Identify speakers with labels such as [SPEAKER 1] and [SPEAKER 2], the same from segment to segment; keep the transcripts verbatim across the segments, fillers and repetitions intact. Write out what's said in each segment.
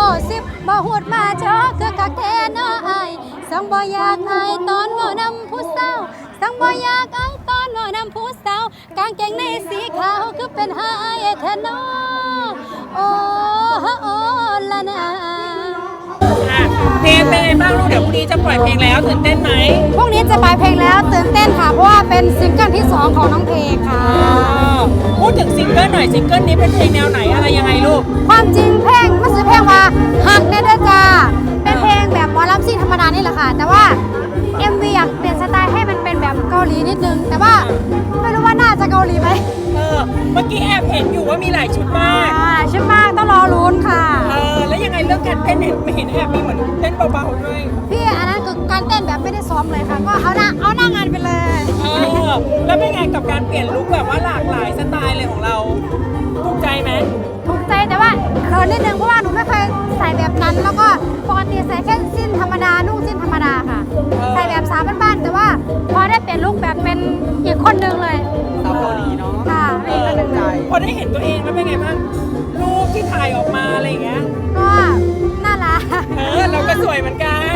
[SPEAKER 1] สิบบ่หูดมาจอคือกักแท้น้ออายสังบ่อยากอายตอนบ่นำผู้สาวสังบ่อยากอายตอนบ่นำผู้สาวกางเกงในสีขาวคือเป็นหายแท้น้อโอ้โอ้ละนา
[SPEAKER 2] เพลงเป็นไงบ้างลูกเดี๋ยวพรุ่งนี้จะปล่อยเพลงแล้วตื่นเต้นไหม
[SPEAKER 1] พรุ่งนี้จะปล่อยเพลงแล้วตื่นเต้นค่ะเพราะว่าเป็นซิงเกิลที่สองของน้องเพลงค่ะ
[SPEAKER 2] พูดถึงซิงเกิลหน่อยซิงเกิลนี้เป็นเพลงแนวไหนอะไรยังไงลูก
[SPEAKER 1] ความจริงเพลงมันคือเพลงว่าฮักแน่เด้อจ้าเป็นเพลงแบบหมอลำซิ่งธรรมดานี่แหละค่ะแต่ว่า เอ็ม วี อยากเปลี่ยนสไตล์ให้มันเป็นแบบเกาหลีนิดนึงแต่ว่าไม่รู้ว่าน่าจะเกาหลีไหม
[SPEAKER 2] เออเมื่อกี้แอบเห็นอยู่ว่ามีหลายชุดมาก
[SPEAKER 1] อ่าชุดมากต้องรอลุ้นค่ะ
[SPEAKER 2] เออแล้วยังไงเรื่องการเต้นเห็นไม่เห็นแอบมีเหมือนเต้นเบาๆด้วย
[SPEAKER 1] พี่อันนั้นคือการเต้นแบบไม่ได้ซ้อมเลยค่ะก็เอาหน้าเอาหน้างานไปเลย
[SPEAKER 2] เออแล้วเป็นไงกับการเปลี่ยนลุคแบบว่าหลากหลายสไตล์เลยของเราถูกใจไหม
[SPEAKER 1] ถูกใจแต่ว่าเขินนิดนึงเพราะว่าหนูไม่เคยใส่แบบนั้นแล้วก็ปกติใส่แค่สิ้นธรรมดานุ่งสิ้นธรรมดาค่ะใส่แบบสาวบ้านๆแต่ว่าพอได้เปลี่ยนลุคแบบเป็นอีกคนนึงเลย
[SPEAKER 3] สาวเกาหลีเนาะ
[SPEAKER 1] ค่ะอีกคนนึงเลย
[SPEAKER 2] พอได้เห็นตัวเองแล้วเป็นไงบ้างรูปที่ถ่ายออกมาอะไรอย่างเงี้ย
[SPEAKER 1] ก็น่ารัก
[SPEAKER 2] เออเราก็สวยเหมือนกัน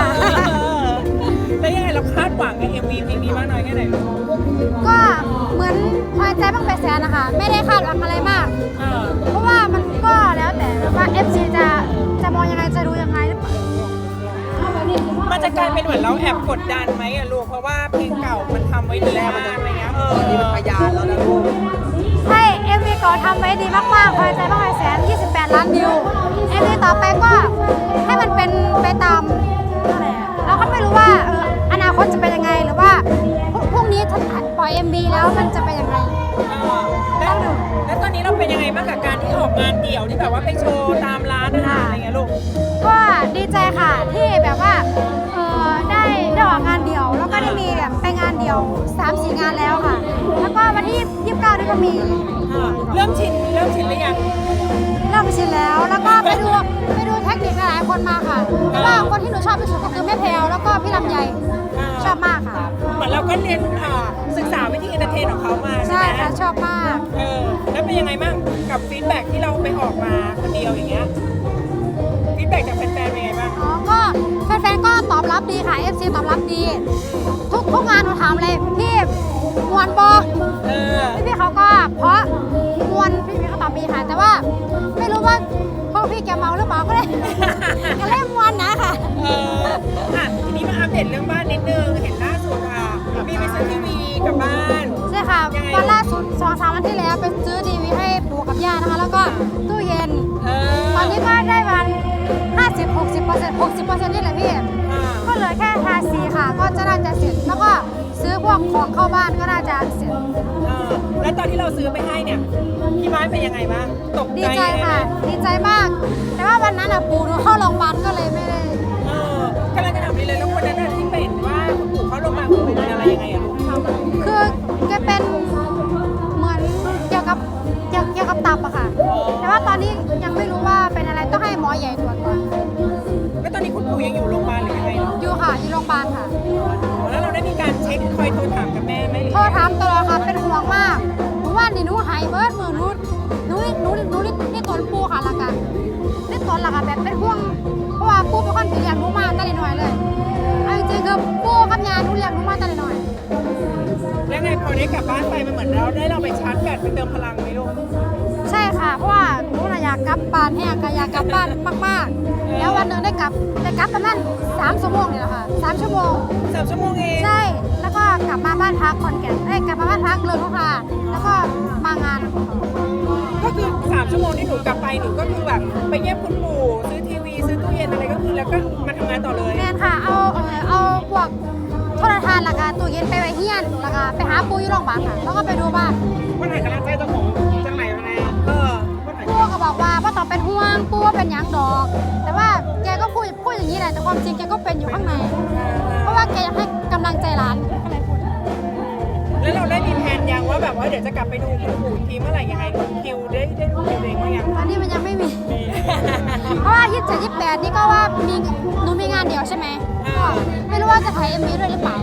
[SPEAKER 2] แล้วยังไงเราคาดหวังกับ เอ็ม วี เพลงนี้มากน้อยแค่ไหนลูก
[SPEAKER 1] ก็เหมือนพอใจบ้างไปแสนนะคะไม่ได้คาดหวังอะไรมากเพราะว่ามันก็แล้วแต่ว่า เอฟ ซี จะจะมองยังไงจะดูยังไงหรือเปล่า
[SPEAKER 2] มันจะกลายเป็นเหมือนเราแอบกดดันไหมอะลูกเพราะว่าเพลงเก่ามันทำไว้ดีมากอะไรเงี้ยเออ
[SPEAKER 3] นี่มันพยานแล้วนะลูก
[SPEAKER 1] ใช่ เอ็ม วี ก่อนทำไว้ดีมากๆพอใจบ้างไปแสนยี่สิบแปดล้านวิว เอ็ม วี ต่อไปก็ให้มันเป็นไปตามเราก็ไม่รู้ว่าเอออนาคตจะเป็นยังไงหรือว่าพรุ่งนี้ถ้าปล่อย เอ็ม วี แล้วมันจะเป็นยังไง
[SPEAKER 2] แล้วแล้วตอนนี้เราเป็นยังไงบ้างกับการที่ออกงานเดี่ยวที่แบบว่าไปโชว์ตามร้านอาหารอะไรเงี้ยลูก
[SPEAKER 1] ก็ดีใจค่ะที่แบบว่าเออได้ได้ออกงานเดี่ยวแล้วก็ได้มีแบบไปงานเดี่ยว สามสี่ งานแล้วค่ะแล้วก็วันที่ยี่สิบเก้านี่ก็มี
[SPEAKER 2] เริ่มชินเริ่มชินหรือยัง
[SPEAKER 1] เริ่มชินแล้วแล้วก็ไปดูไปดูเทคนิคหลายคนมาค่ะเพราะว่าคนที่หนูชอบที่สุดก็คือแม่แพรวแล้วก็พี่ลำไยชอบมากค่ะ
[SPEAKER 2] เหมือนเราก็เรียนศึกษาวิธีเอนเตอร์เทนของเขามา
[SPEAKER 1] ใช่ค่ะชอบมาก
[SPEAKER 2] เออแล้วเป็นยังไงบ้างกับฟีดแบ็กที่เราไปออกมาคนเดียวอย่างเงี้ยฟีดแบ็กจากแฟนๆเป็นไงบ้าง
[SPEAKER 1] อ๋อก็แฟนๆก็ตอบรับดีค่ะ เอฟ ซี ตอบรับดีทุกทุกงานหนูถามเลยพี่มวนบอ
[SPEAKER 2] เออ
[SPEAKER 1] พี่ๆเขาก็เพราะมวนพี่ๆเขาตอบดีค่ะแต่ว่าไม่รู้ว่าพวกพี่แกเมาหรือเปล่าก็เลยก็เลยมวนนะค่ะ
[SPEAKER 2] เอออ่ะทีนี้มาอัปเดตเรื่องบ้านนิดนึงเห็นล่าสุดค่ะมีไปซื้อทีวีกับบ้าน
[SPEAKER 1] ใช่ค่ะวันล่าสุดสองสามวันที่แล้วไปซื้อทีวีให้ปู่กับย่านะคะแล้วก็ตู้เย็นตอนนี้ก็ได้วันห้าสิบ หกสิบเปอร์เซ็นต์ หกสิบเปอร์เซ็นต์นี่แหละพี่ก็เหลือแค่ทาสีค่ะก็จะน่าจะเสร็จแล้วก็ซื้อพวกของเข้าบ้านก็น่าจะเสร็จ
[SPEAKER 2] แล้วตอนที่เราซื้อไปให้เนี่ยพี่ไม้เป็นยังไงบ้างตกใจ
[SPEAKER 1] ดีใจค่ะดีใจมากแต่ว่าวันนั้นอ่ะปู่หนูเข้าโรงพยาบาลก็เลยไม่ได้
[SPEAKER 2] เออกำลังจะถามเลยแล้ววันนั้นที่เป็นว่าคุณปู่เข้าโรงพยาบาลเป็นอะไรยังไงอะลูก
[SPEAKER 1] คือแกเป็นเหมือนเกี่ยวกับเกี่ยวเกี่ยวกับตับอะค่ะแต่ว่าตอนนี้ยังไม่รู้ว่าเป็นอะไรต้องให้หมอใหญ่ตรวจก่อน
[SPEAKER 2] แล้วตอนนี้คุณปู่ยังอยู่โรงพยาบาลหรือยังไง
[SPEAKER 1] อยู่ค่ะอยู่โรงพยาบาลค่ะ
[SPEAKER 2] แล้วเราได้มีการเช็คคอยโทรถามกับแม่ไหม
[SPEAKER 1] โทรถามตลอดค่ะเป็นห่วงมากหนูว่านี่หนูหายเบิร์ดมือหนูหนูหนูหนูนี่ตนปูค่ะละกันนี่ตนละกันแบบเป็นห่วงเพราะว่าปูเป็นคนที่เลี้ยงหนูมาตั้งแต่น้อยเลยเอาจริงๆคือปูกับยาหนูเลี้ยงหนูมาตั้งแต่น้อย
[SPEAKER 2] แล้วไงพอได้กลับบ้านไปมันเหมือนเราได้เราไปชาร์จแบตไปเติมพลังไหมลูก
[SPEAKER 1] ใช่ค่ะเพราะว่าหนูอยากกลับบ้านแห้งก็อยากกลับบ้านมากๆแล้ววันหนึ่งได้กลับได้กลับประมาณสามชั่วโมงนี่แหละค่ะสามชั่วโมง
[SPEAKER 2] สามชั่วโมงเอง
[SPEAKER 1] ใช่แล้วก็กลับมาบ้านพักคอนแก่นเอ้ยกลับมาบ้านพักเลยลูกค่ะแล้วก็มางาน
[SPEAKER 2] ก็คือสามชั่วโมงที่หนูกลับไปหนูก็คือแบบไปเยี่ยมคุณปู่ซื้อทีวีซื้อตู้เย็นอะไรก็คือแล้วก็มาทำงานต่อเลย
[SPEAKER 1] แม่ค่ะเอาเออเอาพวกโทรทัศน์แล้วก็ตู้เย็นไปไว้เฮียนแล้วก็ไปหาปู่อยู่โรงพยาบาลค่ะแล้วก็ไปดูบ้าน
[SPEAKER 2] วันไหนกำลังใจเจ้าของจังไหนมาแน่เออ
[SPEAKER 1] ปู่ก็บอกว่าพ่อต้องเป็นห่วงปู่ว่าเป็นยังดอกแต่ว่าแกก็พูดพูดอย่างนี้แหละแต่ความจริงแกก็เป็นอยู่ข้างในเพราะว่าแกอยากให้กำลังใจหลานก็เลยพูด
[SPEAKER 2] แล้วเราได้มีแผนยังว่าแบบว่าเดี๋ยวจะกลับไปดูคุณปู่ทีเมื่อไหร่ยังไงคิวได้ได้ดูคิวเองมั้ยยัง
[SPEAKER 1] ตอนนี้มันยังไม่มีเพราะว่ายี่สิบเจ็ด ยี่สิบแปดนี่ก็ว่ามีหนูมีงานเดียวใช่ไหมไม่รู้ว่าจะถ่าย เอ็ม วี ด้วยหรือเปล่า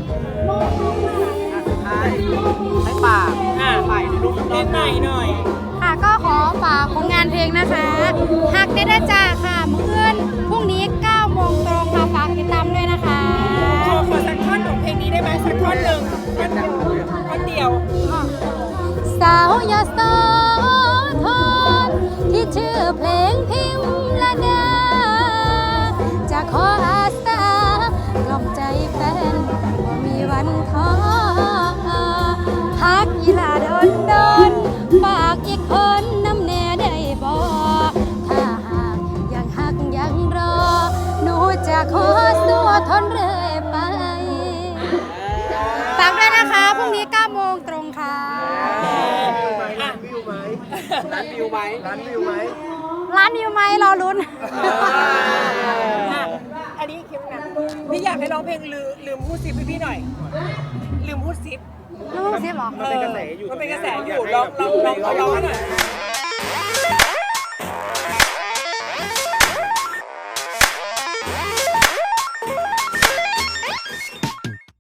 [SPEAKER 3] ให้ฝากใหม่ในรูป
[SPEAKER 2] เพลงใหม่หน่อย
[SPEAKER 1] ค่ะก็ขอฝากผลงานเพลงนะคะฮักเด้อจ้าค่ะขอสู้ทนเรื่อยไปฝากด้วยนะคะพรุ่งนี้เก้าโมงตรงค่ะ
[SPEAKER 3] ร้านวิวไหมร้านวิวไหมร้านวิวไหม
[SPEAKER 1] ร้านอยู่ไหมรอลุ้น
[SPEAKER 2] อันนี้คิดนะพี่อยากให้ร้องเพลงลืมลืมพูดซิปให้พี่หน่อย ลืมพูดซิป
[SPEAKER 1] รู้สิบหรอ
[SPEAKER 2] มันเป็นกระแสอยู่มันเป็นกระแสอยู่ลองลองลองลองให้หน่อย